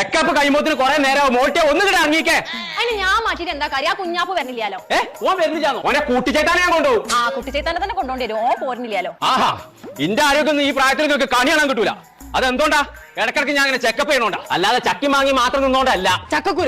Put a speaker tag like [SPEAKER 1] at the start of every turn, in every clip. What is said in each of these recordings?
[SPEAKER 1] Checkup കഴിയുമ്പോത്തിന് കുറെ നേരം മോട്ടെ ഒന്നും കിട്ടാ ഇറങ്ങിക്കേ.
[SPEAKER 2] അതിന് ഞാൻ മാറ്റിട്ട് എന്താ കാര്യം? ആ കുഞ്ഞാപ്പ് വരണില്ലാലോ.
[SPEAKER 1] ഓൻ വരുന്നില്ലാന്നോ? ഓനെ കൂട്ടിച്ചേട്ടാനെ ഞാൻ കൊണ്ടുപോകും.
[SPEAKER 2] ആ കുട്ടിച്ചേത്താനെ തന്നെ കൊണ്ടോണ്ടി വരും. ഓ പോരുന്നില്ലാലോ.
[SPEAKER 1] ആഹാ, ഇന്റെ ആരോഗ്യം ഈ പ്രായത്തിൽ നിങ്ങൾക്ക് കണി കാണാൻ കിട്ടൂല. അതെന്തുകൊണ്ടാ? ഇടക്കിടക്ക് ഞാൻ അങ്ങനെ ചെക്കപ്പ് ചെയ്യണോണ്ടാ, അല്ലാതെ ചക്കി മാങ്ങി മാത്രം നിന്നോണ്ടല്ല. ചക്കക്കുരു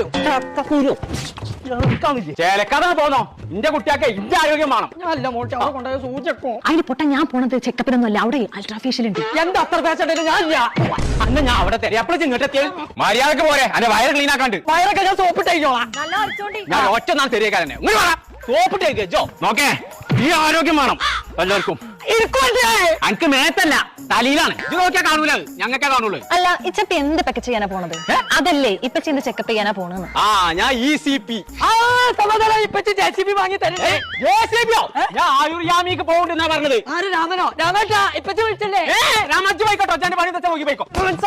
[SPEAKER 1] ചേലക്കാതെ പോന്നോ? ഇന്റെ കുട്ടിയാക്കെ ഇന്റെ ആരോഗ്യം വേണം.
[SPEAKER 3] അല്ല മോട്ടെ അവിടെ കൊണ്ടുപോയ സൂചിക്കും.
[SPEAKER 2] അതിന് പൊട്ട ഞാൻ പോണത് ചെക്കപ്പിനൊന്നും അല്ല, അവിടെ അൾട്രാഫേഷ്യൽ ഉണ്ട്.
[SPEAKER 3] എന്താ അത്ര പേശണ്ടേ? ഞാൻ
[SPEAKER 1] അന്ന് ഞാൻ അവിടെ തരാം. എപ്പോഴും ഇങ്ങോട്ടെത്തിയ മര്യാദക്ക് പോരെ, അന്റെ വയറ് ക്ലീൻ ആക്കാണ്ട്.
[SPEAKER 3] വയറൊക്കെ ഞാൻ സോപ്പിട്ടേക്കോളാം.
[SPEAKER 2] നല്ല അടിച്ചോണ്ടി.
[SPEAKER 1] ഞാൻ ഒറ്റ നാൾ തെരിയക്കാരനെ സോപ്പിട്ടേക്കോ. നോക്കേ, ഈ ആരോഗ്യം വേണം എല്ലാവർക്കും. എനിക്ക് മേത്തല്ല തലയിലാണ്. ഇത് നോക്കിയാ കാണൂല, ഞങ്ങൾക്കേ കാണുള്ളൂ.
[SPEAKER 2] അല്ല, ഇച്ചപ്പ എന്ത് പെക്ക ചെയ്യാനാ പോണത്? അതല്ലേ ഇപ്പൊ ചെയ്യുന്ന ചെക്കപ്പ് ചെയ്യാനാ പോണെന്ന്.
[SPEAKER 1] ആ, ഞാൻ ECP.
[SPEAKER 3] ഇപ്പച്ചി JCB വാങ്ങി തരേ.
[SPEAKER 1] ഞാൻ ആയുർയാമിക്ക് പോകണ്ടെന്നാ പറഞ്ഞത്.
[SPEAKER 3] ആര് രാമനോ? രാമേട്ടാ ഇപ്പച്ചി വിളിച്ചല്ലേ?
[SPEAKER 1] രാമജി പോയിക്കോട്ടോ, അച്ഛന്റെ പണി തെച്ചാ നോക്കി പോയിക്കോ.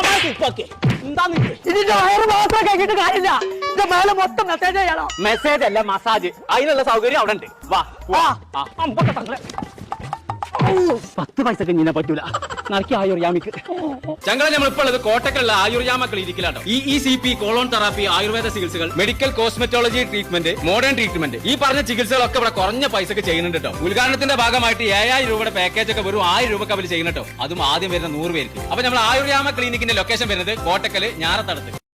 [SPEAKER 3] ഇതിന്റെ വയറ് മാത്രം കഴിഞ്ഞിട്ട് കാര്യമില്ല. ഇതിന്റെ മേലെ മൊത്തം മെസ്സേജ് ചെയ്യണോ?
[SPEAKER 1] മെസ്സേജ് അല്ല, മസാജ്. അതിനുള്ള സൗകര്യം അവിടെ ഉണ്ട്. വാ വാ. 10 പൈസക്ക് ഇങ്ങനെ പറ്റൂല. നടക്കി ആയുർയാമിക്ക്. ഞങ്ങളെ നമ്മളിപ്പോൾ ഉള്ളത് കോട്ടക്കലുള്ള ആയുർയാമ ക്ലിനിക്കിലാട്ടോ. ECP, കോളോൺ തെറാപ്പി, ആയുർവേദ ചികിത്സകൾ, medical cosmetology treatment, modern treatment, ഈ പറഞ്ഞ ചികിത്സകളൊക്കെ ഇവിടെ കുറഞ്ഞ പൈസക്ക് ചെയ്യുന്നുണ്ട് കേട്ടോ. ഉദ്ഘാടനത്തിന്റെ ഭാഗമായിട്ട് 7000 രൂപയുടെ പാക്കേജ് ഒക്കെ വെറും 1000 രൂപക്ക് അവർ ചെയ്യുന്നുട്ടോ. അതും ആദ്യം വരുന്ന 100 പേർക്ക്. അപ്പൊ നമ്മൾ ആയുർയാമ ക്ലിനിക്കിന്റെ ലൊക്കേഷൻ വരുന്നത് കോട്ടക്കല് ഞാറത്തടത്ത്.